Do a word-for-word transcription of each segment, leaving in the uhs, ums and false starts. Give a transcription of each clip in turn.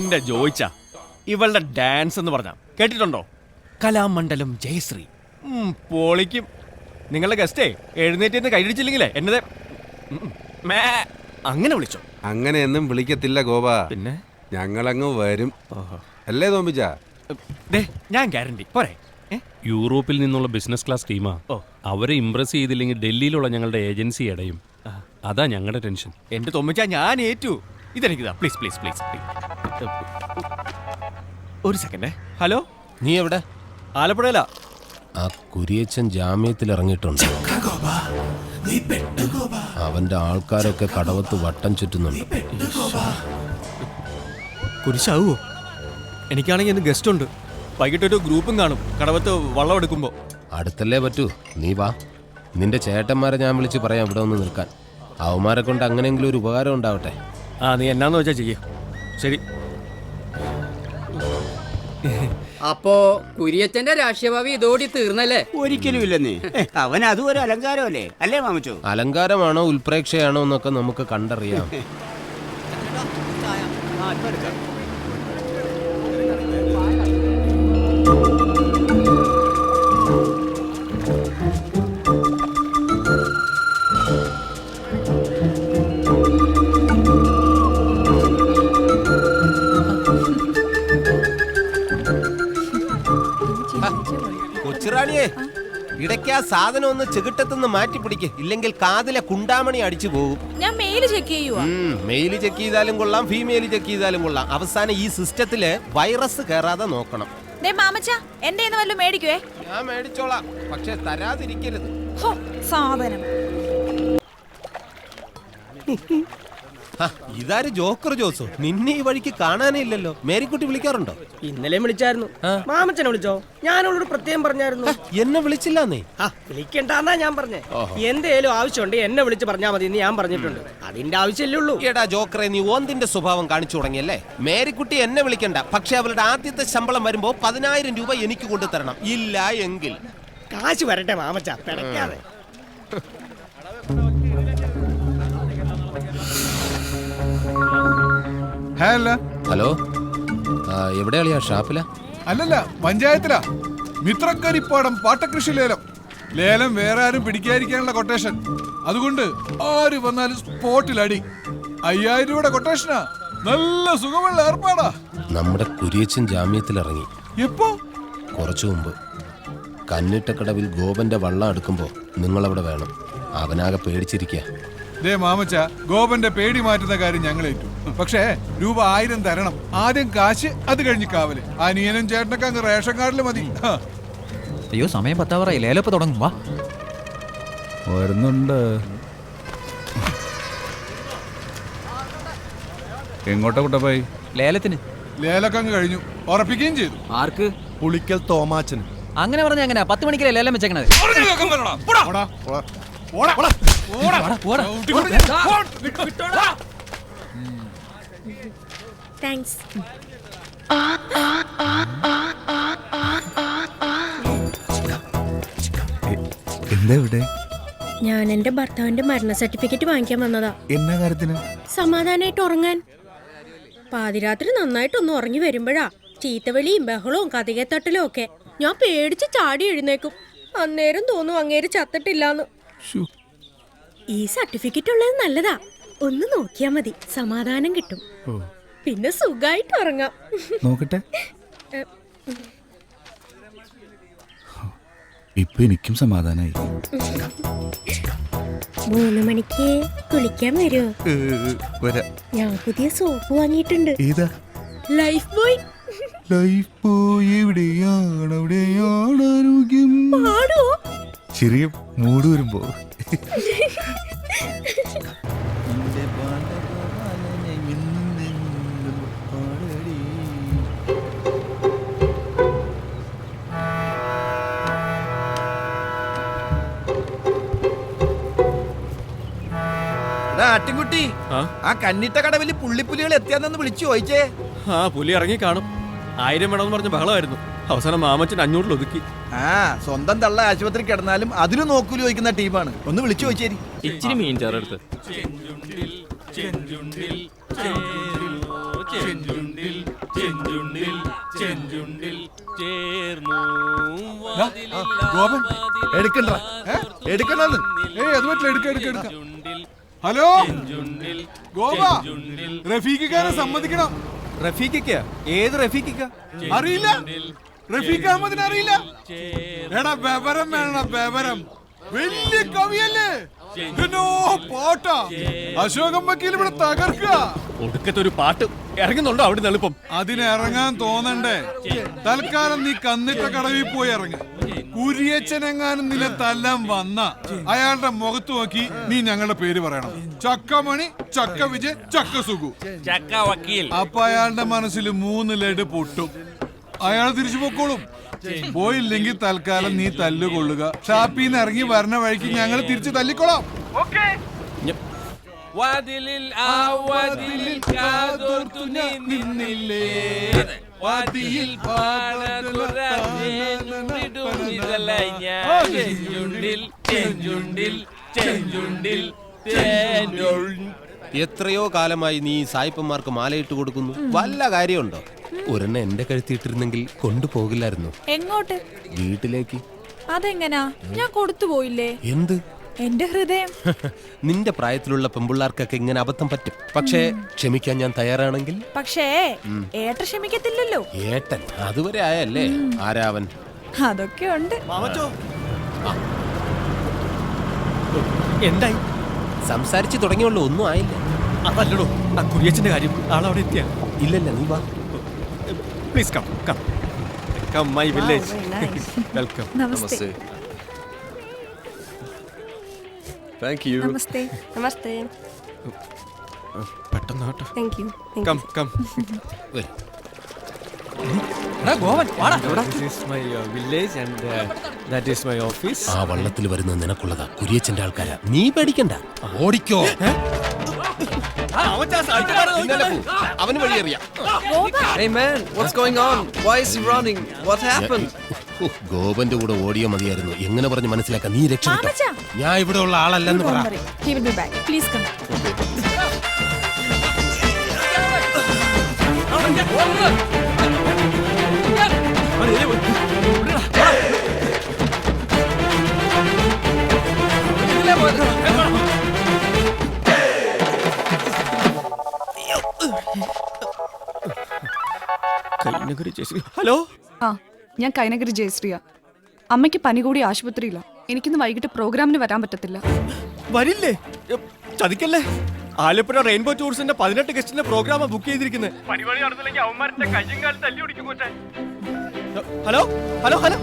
എന്റെ ജോയിച്ച ഇവളുടെ ഡാൻസ് എന്ന് പറഞ്ഞ കേട്ടിട്ടുണ്ടോ? കലാമണ്ഡലം ജയശ്രീ പൊളിക്കും. നിങ്ങളുടെ ഗസ്റ്റേ എഴുന്നേറ്റ് കൈയടിച്ചില്ലെങ്കിലേ എന്നത് അങ്ങനെ വിളിച്ചോ. അങ്ങനെയൊന്നും വിളിക്കത്തില്ല ഗോപ. പിന്നെ ഞങ്ങളങ്ങ് വരും അല്ലേ തോമ്പിച്ച? ഞാൻ ഗ്യാരണ്ടി പോരെ. യൂറോപ്പിൽ നിന്നുള്ള ബിസിനസ് ക്ലാസ് ടീമാ. അവരെ ഇംപ്രസ് ചെയ്തില്ലെങ്കിൽ ഡൽഹിയിലുള്ള ഞങ്ങളുടെ ഏജൻസി അടയും. അതാ ഞങ്ങളുടെ ടെൻഷൻ. എന്റെ തോമ്പിച്ച ഞാൻ ഏറ്റു. ഇതെനിക്കിതാ പ്ലീസ് പ്ലീസ് പ്ലീസ് ഒരു സെക്കൻഡ്. ഹലോ, നീ എവിടെ? ആലപ്പുഴയിലാ. ആ കുരിയച്ചൻ ജാമ്യത്തിൽ ഇറങ്ങിയിട്ടുണ്ട്. അവന്റെ ആൾക്കാരൊക്കെ കടവത്ത് വട്ടം ചുറ്റുന്നുണ്ട്. കുരിശാവോ? എനിക്കാണെങ്കിൽ ഇന്ന് ഗസ്റ്റ് ഉണ്ട്. വൈകിട്ടൊരു ഗ്രൂപ്പും കാണും കടവത്ത് വള്ളം എടുക്കുമ്പോ. അടുത്തല്ലേ പറ്റൂ, നീ വാ. നിന്റെ ചേട്ടന്മാരെ ഞാൻ വിളിച്ച് പറയാം ഇവിടെ ഒന്ന് നിൽക്കാൻ. അവന്മാരെ കൊണ്ട് അങ്ങനെയെങ്കിലും ഒരു ഉപകാരം ഉണ്ടാവട്ടെ. ആ, നീ എന്നാന്ന് വെച്ചാ ചെയ്യ. ശരി. അപ്പോ കുര്യച്ചന്റെ രാഷ്ട്രീയഭാവി ഇതോടി തീർന്നല്ലേ? ഒരിക്കലും ഇല്ലെന്നേ. അവൻ അതും ഒരു അലങ്കാരമല്ലേ അല്ലേ മാമച്ചോ? അലങ്കാരമാണോ ഉൽപ്രേക്ഷയാണോ എന്നൊക്കെ നമുക്ക് കണ്ടറിയാം. കൊച്ചുറാണിയെ, ഇടയ്ക്ക് ആ സാധനം ഒന്ന് ചെകിട്ടത്തുനിന്ന് മാറ്റി പിടിക്ക്, ഇല്ലെങ്കിൽ കാതിലെ കുണ്ടാമണി അടിച്ചു പോകും. ഞാൻ മെയില് ചെക്ക് ചെയ്യുവാ. മെയില് ചെക്ക് ചെയ്താലും കൊള്ളാം, ഫീമെയിൽ ചെക്ക് ചെയ്താലും കൊള്ളാം. അവസാനം ഈ സിസ്റ്റത്തില് വൈറസ് കയറാതെ നോക്കണം. എന്റെ വല്ലതും മേടിക്കുവേ. ഞാൻ മേടിച്ചോളാം, പക്ഷെ തരാതിരിക്കരുത്. സാധനം ഇതാര് ജോക്കർ ജോസോ? നിന്നെ ഈ വഴിക്ക് കാണാനേ ഇല്ലല്ലോ. മേരിക്കുട്ടി വിളിക്കാറുണ്ടോ? ഇന്നലെ വിളിച്ചായിരുന്നു. മാമച്ചനെ വിളിച്ചോ? ഞാനോട് പ്രത്യേകം പറഞ്ഞായിരുന്നു. എന്നെ വിളിച്ചില്ലാന്നേ. വിളിക്കണ്ടെന്നാ ഞാൻ പറഞ്ഞേ. എന്തേലും ആവശ്യമുണ്ട് എന്നെ വിളിച്ച് പറഞ്ഞാൽ മതി എന്ന് ഞാൻ പറഞ്ഞിട്ടുണ്ട്. അതിന്റെ ആവശ്യമല്ലേ ഉള്ളൂ. എടാ ജോക്കറെ, നീ ഓന്തിന്റെ സ്വഭാവം കാണിച്ചു തുടങ്ങിയല്ലേ. മേരിക്കുട്ടി എന്നെ വിളിക്കണ്ട, പക്ഷെ അവളുടെ ആദ്യത്തെ ശമ്പളം വരുമ്പോ പതിനായിരം രൂപ എനിക്ക് കൊണ്ടു തരണം. ഇല്ല എങ്കിൽ കാശ് വരട്ടെ മാമച്ച, പിടയ്ക്കാതെ. ഹലോ, എവിടെയാളിയാ? ഷാപ്പില? അല്ലല്ല, പഞ്ചായത്തിലാ. മിത്രക്കരിപ്പാടം പാട്ടകൃഷി ലേലം. ലേലം വേറെ ആരും പിടിക്കാതിരിക്കാനുള്ള കൊട്ടേഷൻ. അതുകൊണ്ട് ആര് വന്നാലും സ്പോട്ടിൽ അടി. അയ്യായിരം രൂപയുടെ കൊട്ടേഷനാ. നല്ല സുഖമുള്ള ഏർപ്പാടാ. നമ്മുടെ കുരിയച്ചൻ ജാമ്യത്തിൽ ഇറങ്ങി. എപ്പോ? കുറച്ചു മുമ്പ്. കന്നിട്ടക്കടവിൽ ഗോപന്റെ വള്ളം എടുക്കുമ്പോ നിങ്ങളവിടെ വേണം. അവനാകെ പേടിച്ചിരിക്കുക. ദേ മാമച്ച, ഗോപന്റെ പേടി മാറ്റുന്ന കാര്യം ഞങ്ങൾ ഏറ്റു. പക്ഷേ രൂപ ആയിരം തരണം. ആദ്യം കാശ്, അത് കഴിഞ്ഞ് കാവല്. അനിയനും ചേട്ടനൊക്കെ അങ്ങ് റേഷൻ കാർഡിൽ മതി. അയ്യോ, സമയം പത്താവറായി. ലേലപ്പ് തുടങ്ങും. വാ, വരുന്നുണ്ട്. എങ്ങോട്ടാ കുട്ടപ്പായി? ലേലത്തിന്. ലേലൊക്കെ അങ്ങ് കഴിഞ്ഞു, ഉറപ്പിക്കുകയും ചെയ്തു. ആർക്ക്? പുളിക്കൽ തോമാച്ചന്. അങ്ങനെ പറഞ്ഞ എങ്ങനെ? പത്ത് മണിക്കല്ലേ ലേലം വെച്ചേക്കണത്? താങ്ക്സ്. ഞാൻ എന്റെ ഭർത്താവിന്റെ മരണ സർട്ടിഫിക്കറ്റ് വാങ്ങിക്കാൻ വന്നതാ. എന്നാ കാര്യത്തിന്? സമാധാനായിട്ട് ഉറങ്ങാൻ. പാതിരാത്രി നന്നായിട്ടൊന്ന് ഉറങ്ങി വരുമ്പോഴാ ചീത്തവിളിയും ബഹളവും കഥകത്തട്ടലും ഒക്കെ. ഞാൻ പേടിച്ച് ചാടി എഴുന്നേക്കും. അന്നേരം തോന്നും അങ്ങേര് ചത്തിട്ടില്ലാന്ന്. ഈ സർട്ടിഫിക്കറ്റ് ഉള്ളത് നല്ലതാ. ഒന്ന് നോക്കിയാ മതി, സമാധാനം കിട്ടും. പിന്നെ സുഖായിട്ട് ഉറങ്ങാം. നോക്കട്ടെ. ഇപ്പൊ എനിക്കും സമാധാനായി. മൂന്ന് മണിക്ക് കുളിക്കാൻ വരുമോ? ഞാൻ പുതിയ സോപ്പ് വാങ്ങിയിട്ടുണ്ട്. ഏതാ? Life boy. ലൈഫ് ബോയ് എവിടെയാണ് എവിടെയാണ് ആരോഗ്യം? പാടുവോ? ചെറിയ മൂട് വരുമ്പോ. ആട്ടിൻകുട്ടി, ആ കന്നിട്ട കടവില് പുള്ളിപ്പുലികൾ എത്തിയാന്ന് വിളിച്ചു ചോദിച്ചേ. ആ, പുലി ഇറങ്ങി കാണും. ആയിരം വേണമെന്ന് പറഞ്ഞ ബഹളമായിരുന്നു. അവസാനം മാമച്ചൻ അഞ്ഞൂറിൽ ഒതുക്കി. ആ, സ്വന്തം തള്ള ആശുപത്രി കിടന്നാലും അതിനും നോക്കൂലി ചോദിക്കുന്ന ടീമാണ്. ഒന്ന് വിളിച്ചു ചോദിച്ചേരി. ഇച്ചിരി മീൻ ചേർത്ത്. ചെഞ്ചുണ്ടിൽ ചെഞ്ചുണ്ടിൽ ചെഞ്ചുണ്ടിൽ ചേർന്നു ഗോപൻ എടുക്കണ്ട എടുക്കണ്ടെന്ന് ഏയ് അത് പറ്റില്ല എടുക്ക എടുക്ക എടുക്ക ഹലോ ഗോപ റഫീഖിക്കാരെ സമ്മതിക്കണം. റഫീഖിക്ക ഏത് റഫീഖിക്ക? അറിയില്ല, റഫീഖ് അഹമ്മദിനെ അറിയില്ല? എടാ ബബരം വേണം, ബബരം വലിയ കവിയല്ലേ, ഇതിനോ പാട്ടാ. അശോകം വക്കീൽ ഇവിടെ തകർക്കുക. ഒടുക്കത്തെ ഒരു പാട്ട് ഇറങ്ങുന്നുണ്ടോ അവിടെ എളുപ്പം? അതിന് ഇറങ്ങാൻ തോന്നണ്ടേ? തൽക്കാലം നീ കന്നിട്ട കടവിൽ പോയി ഇറങ്ങ. കുരിയച്ചനെങ്ങാനും നില തല്ലാൻ വന്ന അയാളുടെ മുഖത്ത് നോക്കി നീ ഞങ്ങളുടെ പേര് പറയണം. ചക്കമണി, ചക്ക വിജയ്, ചക്ക സുഖു. ചക്ക വക്കീൽ. അപ്പൊ അയാളുടെ മനസ്സിൽ മൂന്ന് ലഡ് പൊട്ടും. അയാൾ തിരിച്ചു പൊക്കോളും. പോയില്ലെങ്കിൽ തൽക്കാലം നീ തല്ലുകൊള്ളുക. ഷാപ്പിന്ന് ഇറങ്ങി വരണ വഴിക്ക് ഞങ്ങൾ തിരിച്ചു തല്ലിക്കൊള്ളാം. വാതിലിൽ ആ വാതിലിൽ കാതോർത്തു നീ നിന്നില്ലേ, വാതിയിൽ പാടതുറന്നിടുന്നിതലായി ഞാൻ. ചെഞ്ചുണ്ടിൽ ചെഞ്ചുണ്ടിൽ ചെഞ്ചുണ്ടിൽ ചെഞ്ചുണ്ടിൽ. എത്രയോ കാലമായി നീ സായിപ്പന്മാർക്ക് മാലയിട്ട് കൊടുക്കുന്നു. വല്ല കാര്യമുണ്ടോ? ഒരെണ്ണം എന്റെ കഴുത്തിയിട്ടിരുന്നെങ്കിൽ കൊണ്ടുപോകില്ലായിരുന്നു. എങ്ങോട്ട്? വീട്ടിലേക്ക്. അതെങ്ങനാ? ഞാൻ കൊടുത്തു പോയില്ലേ? എന്ത്? എന്റെ ഹൃദയം. നിന്റെ പ്രായത്തിലുള്ള പെമ്പിള്ളാർക്കൊക്കെ ഇങ്ങനെ അബദ്ധം പറ്റും. പക്ഷേ ക്ഷമിക്കാൻ ഞാൻ തയ്യാറാണെങ്കിൽ. പക്ഷേ ഏട്ട ക്ഷമിക്കത്തില്ലല്ലോ. ഏട്ടൻ അതുവരെ ആയല്ലേ? ആരാവൻ? അതൊക്കെ ഉണ്ട്. എന്തായി? സംസാരിച്ചു തുടങ്ങിയുള്ളൂ, ഒന്നും ആയില്ല. അതല്ലടോ ആ കുര്യച്ചന്റെ കാര്യം. ആളവിടെ എത്തിയ? ഇല്ലല്ല, നീ വാ. Please come come come my village. Welcome. നമസ്തേ. Thank you. നമസ്തേ. നമസ്തേ. പെട്ടെന്ന് കേട്ടോ. Thank you. Come come. വരൂ. This is my uh, village and uh, that is my office. ആ വള്ളത്തിൽ വരുന്ന നിനക്കുള്ളതാ, കുരിയച്ചന്റെ ആൾക്കാരാ. നീ പേടിക്കണ്ട, ഓടിക്കോ. അവന് വഴിയറിയാം. Hey man, what's going on? Why is he running? What happened? ഗോപന്റെ കൂടെ ഓടിയോ മതിയായിരുന്നു. എങ്ങനെ പറഞ്ഞ് മനസ്സിലാക്കാൻ? നീ രക്ഷപ്പെട്ടോ. മാമച്ചാ. ഞാൻ ഇവിടെ ഉള്ള ആളല്ലെന്ന് പറ. He will be back. Please come. Hello, ആ ഞാൻ കൈനഗരി ജയശ്രീയ. അമ്മയ്ക്ക് പനി കൂടി ആശുപത്രിയില്ല. എനിക്കിന്ന് വൈകിട്ട് പ്രോഗ്രാമിന് വരാൻ പറ്റത്തില്ല. വരില്ലേ? എ, ചതിക്കല്ലേ. ആലപ്പുഴ റെയിൻബോ ടൂറിസ്റ്റിന്റെ പതിനെട്ട് ഗസ്റ്റിന്റെ പ്രോഗ്രാം ബുക്ക് ചെയ്തിരിക്കുന്നത്. Hello hello hello.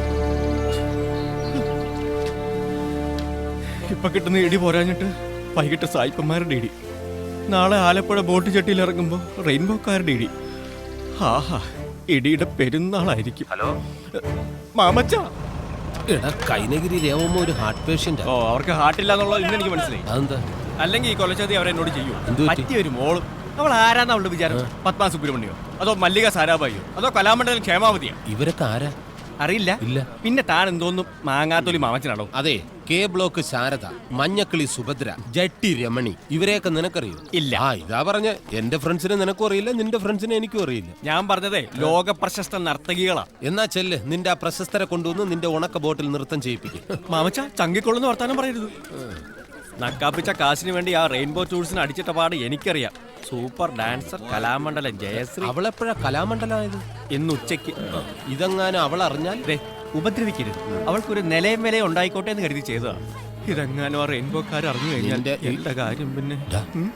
ഇപ്പൊ കിട്ടുന്ന ഇടി പോരാഞ്ഞിട്ട് വൈകിട്ട് സായിപ്പന്മാരുടെ ഇടി. നാളെ ആലപ്പുഴ ബോട്ട് ചട്ടിയിൽ ഇറങ്ങുമ്പോ റെയിൻബോക്കാരുടെ ഇടി. ആഹാ, ഇടിയുടെ പെരുന്നാളായിരിക്കും. ഹലോ മാമച്ച. എടാ, കൈനഗിരി രേവമ്മ ഒരു ഹാർട്ട് പേഷ്യന്റ്. ഓ, അവർക്ക് ഹാർട്ടില്ല എന്നുള്ളത് ഇന്ന് എനിക്ക് മനസ്സിലായി. അതെന്താ? അല്ലെങ്കിൽ ഈ കൊലച്ചതി അവരെന്നോട് ചെയ്യൂ. എന്ത് പറ്റി? പറ്റിയൊരു മോളും. അവൾ ആരാന്ന് അവളുടെ വിചാരം? പത്മ സുബ്രഹ്മണ്യോ അതോ മല്ലിക സാരാഭായിയോ അതോ കലാമണ്ഡലം ക്ഷേമാവതിയോ? ഇവരൊക്കെ ആരാ? അറിയില്ല. ഇല്ല. പിന്നെ താൻ എന്തോന്നും മാങ്ങാത്തൊലി മാമച്ചനാണോ? അതെ, കെ ബ്ലോക്ക് ശാരദ, മഞ്ഞക്കിളി സുഭദ്ര, ജട്ടി രമണി, ഇവരെയൊക്കെ നിനക്കറിയോ? ഇല്ല. ആ ഇതാ പറഞ്ഞ, എന്റെ ഫ്രണ്ട്സിനെ നിനക്കും അറിയില്ല, നിന്റെ ഫ്രണ്ട്സിനെ എനിക്കും അറിയില്ല. ഞാൻ പറഞ്ഞതേ ലോക പ്രശസ്ത നർത്തകികളാ. എന്നാ ചെല്ല്, നിന്റെ ആ പ്രശസ്തരെ കൊണ്ടുവന്ന് നിന്റെ ഉണക്ക ബോട്ടിൽ നൃത്തം ചെയ്യിപ്പിക്കും. മാമച്ച ചങ്കിക്കൊള്ളുന്ന വർത്താനം പറയരുത്. നക്കാപ്പിച്ച കാശിന് വേണ്ടി ആ റെയിൻബോ ടൂറിസ്റ്റിന് അടിച്ചിട്ട പാട് എനിക്കറിയാം. Super dancer Kalamandalam Jayasree. അവളെപ്പോഴാ കലാമണ്ഡലമായത്? ഇന്ന് ഉച്ചയ്ക്ക്. ഇതെങ്ങാനും അവൾ അറിഞ്ഞാൽ ഉപദ്രവിക്കരുത്. അവൾക്കൊരു നിലയും വിലയും ഉണ്ടായിക്കോട്ടെ എന്ന് കരുതി ചെയ്തതാ. ഇതെങ്ങാനും ആ റെയിൻബോക്കാർ അറിഞ്ഞു കഴിഞ്ഞാൽ നിന്റെ- എന്റെ കാര്യം പിന്നെ. ഉം.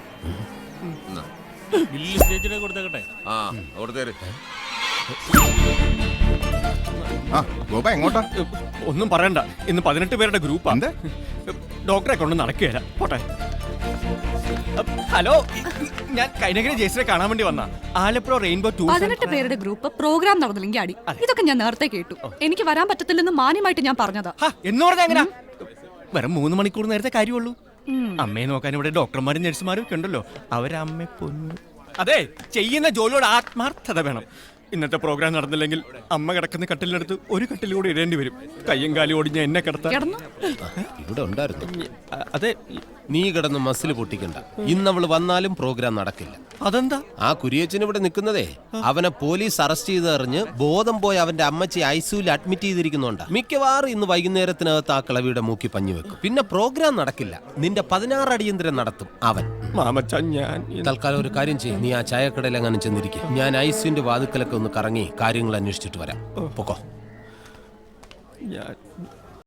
ബില്ല് സ്റ്റേജിലേക്ക് കൊടുത്തേക്കട്ടെ. ആ അവിടുത്തെ ആ ഗോപ എങ്ങോട്ടാ? ഒന്നും പറയണ്ട, ഇന്ന് പതിനെട്ട് പേരുടെ ഗ്രൂപ്പാ. ഡോക്ടറെ കൊണ്ട് നടക്കുകയല്ല. പോട്ടെ. ഹലോ, ഞാൻ കൈനഗിരി ജയശ്രീയെ കാണാൻ വേണ്ടി വന്ന ആലപ്പുഴ റെയിൻബോ ടൂർ. പതിനെട്ട് പേരുടെ ഗ്രൂപ്പ് പ്രോഗ്രാം നടന്നില്ലെങ്കിൽ അടി. ഇതൊക്കെ ഞാൻ നേരത്തെ കേട്ടു. എനിക്ക് വരാൻ പറ്റത്തില്ലെന്ന് മാന്യമായിട്ട് ഞാൻ പറഞ്ഞതാ. എന്ന് പറഞ്ഞാ എങ്ങനാ? വെറും മൂന്ന് മണിക്കൂർ നേരത്തെ കാര്യമുള്ളൂ. അമ്മയെ നോക്കാൻ ഇവിടെ ഡോക്ടർമാരും നഴ്സുമാരും ഒക്കെ ഉണ്ടല്ലോ. അവരമ്മ പൊന്നു. അതെ, ചെയ്യുന്ന ജോലിയോട് ആത്മാർത്ഥത വേണം. ഇന്നത്തെ പ്രോഗ്രാം നടന്നില്ലെങ്കിൽ അമ്മ കിടക്കുന്ന കട്ടിലിനടുത്ത് ഒരു കട്ടിൽ കൂടി ഇടേണ്ടി വരും. കയ്യും കാലും ഓടിഞ്ഞ എന്നെ കിടത്താൻ. കിടന്നു ഇവിടെ ഉണ്ടായിരുന്നു. അതെ, നീ കിടന്ന് മസിൽ പൊട്ടിക്കണ്ട. ഇന്നവള് വന്നാലും പ്രോഗ്രാം നടക്കില്ല. അതെന്താ? ആ കുരിയച്ചൻ ഇവിടെ നിൽക്കുന്നതേ അവനെ പോലീസ് അറസ്റ്റ് ചെയ്ത് എറിഞ്ഞ് ബോധം പോയി അവന്റെ അമ്മച്ചി ഐസിയുവിൽ അഡ്മിറ്റ് ചെയ്തിരിക്കുന്നുണ്ട്. മിക്കവാറും ഇന്ന് വൈകുന്നേരത്തിനകത്ത് ആ കിളവിയുടെ മൂക്കി പഞ്ഞു വെക്കും. പിന്നെ പ്രോഗ്രാം നടക്കില്ല. നിന്റെ പതിനാറ് അടിയന്തരം നടത്തും അവൻ. മാമച്ച ഞാൻ തൽക്കാലം ഒരു കാര്യം ചെയ്യും, നീ ആ ചായക്കടയിൽ അങ്ങനെ ചെന്നിരിക്കും. ഞാൻ ഐസിയുന്റെ വാതുക്കലൊക്കെ ഒന്ന് കറങ്ങി കാര്യങ്ങൾ അന്വേഷിച്ചിട്ട് വരാം. പൊക്കോ. ഞാൻ